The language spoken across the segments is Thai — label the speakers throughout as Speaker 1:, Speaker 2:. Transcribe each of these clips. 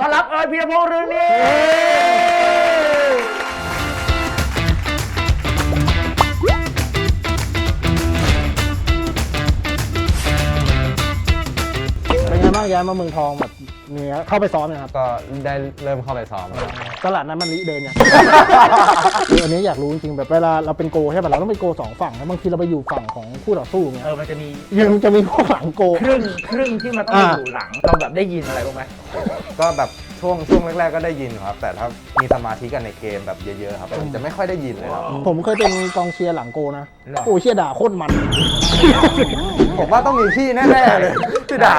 Speaker 1: อนรับพีรพงษ์เรืองนี้
Speaker 2: เป็นไงบ้างย้ายมาเมืองทองแบบนี้เข้าไปซ้อมนะครับ
Speaker 3: ก็ได้เริ่มเข้าไปซ้อม
Speaker 2: ตลาดนั้นมันลิเดินเนี่ย อันนี้อยากรู้จริงๆแบบเวลาเราเป็นโกใช่ป่ะเราต้องเป็นโกสองฝั่งแล้วบางทีเราไปอยู่ฝั่งของคู่ต่อสู้เนี่ย
Speaker 1: มันจะมี
Speaker 2: ยังจะมีพวกหลังโก
Speaker 1: ครึ่งที่มันต้องอยู่หลังเราแบบได้ยินอะไรบ้างไหม
Speaker 3: ก็แบบช่วงแรกๆก็ได้ยินครับ แต่ถ้ามีสมาธิกันในเกมแบบเยอะๆครับผมจะไม่ค่อยได้ยินเลยครับ
Speaker 2: ผมเคยเป็นกองเชียร์หลังโกนะโอ้เชียร์ด่าโคตรมัน
Speaker 3: ผมว่าต้องมีพี่แน่ๆเลยที่ด่า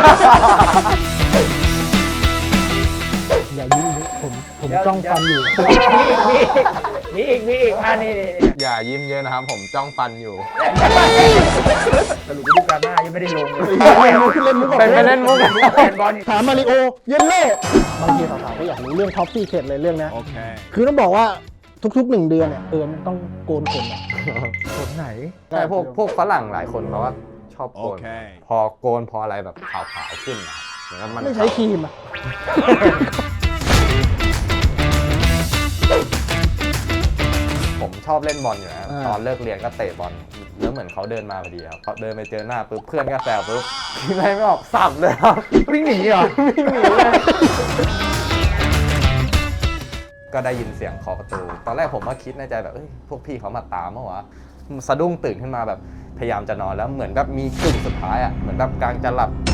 Speaker 2: อย่ายิ้มดิผมจ้องฟันอยู่
Speaker 1: มีอีกนี่
Speaker 3: อย่ายิ้มเยอะนะครับ ผมจ้องฟันอยู่
Speaker 1: สรุปฤดูกาลหน้ายังไม่ได้ลงเลย
Speaker 2: เล่นมุก
Speaker 3: เป็นไปเล่นมุก
Speaker 1: แฟนบอล
Speaker 2: ถามมาริโอเยนเล่บางทีสาวๆก็อยากรู้เรื่องท็อปซี่เขตเลยเรื่องนี้คือต้องบอกว่าทุกๆ1 เดือนเนี่ยมันต้องโกนขนเนี่ย
Speaker 1: คนไหน
Speaker 3: ใช่พวกฝรั่งหลายคนเขาว่าชอบโกนพอโกนพออะไรแบบขาวๆขึ้นนะครับเหมือนกับมัน
Speaker 2: ไม่ใช้ครีมอ่ะ
Speaker 3: ผมชอบเล่นบอลอยู่นะตอนเลิกเรียนก็เตะบอลแล้วเหมือนเขาเดินมาพอดีครับเขาเดินไปเจอหน้าปุ๊บเพื่อนก็แซวปุ๊บคิดอะไรไม่ออกสับเลยครับ
Speaker 1: วิ่งหนีเหรอ
Speaker 3: วิ่งหนีเลยก็ได้ยินเสียงเคาะประตูตอนแรกผมก็คิดในใจแบบพวกพี่เขามาตามเมื่อวะสะดุ้งตื่นขึ้นมาแบบพยายามจะนอนแล้วเหมือนแบบมีกึ่งสุดท้ายอ่ะเหมือนแบบกลางจะหลับ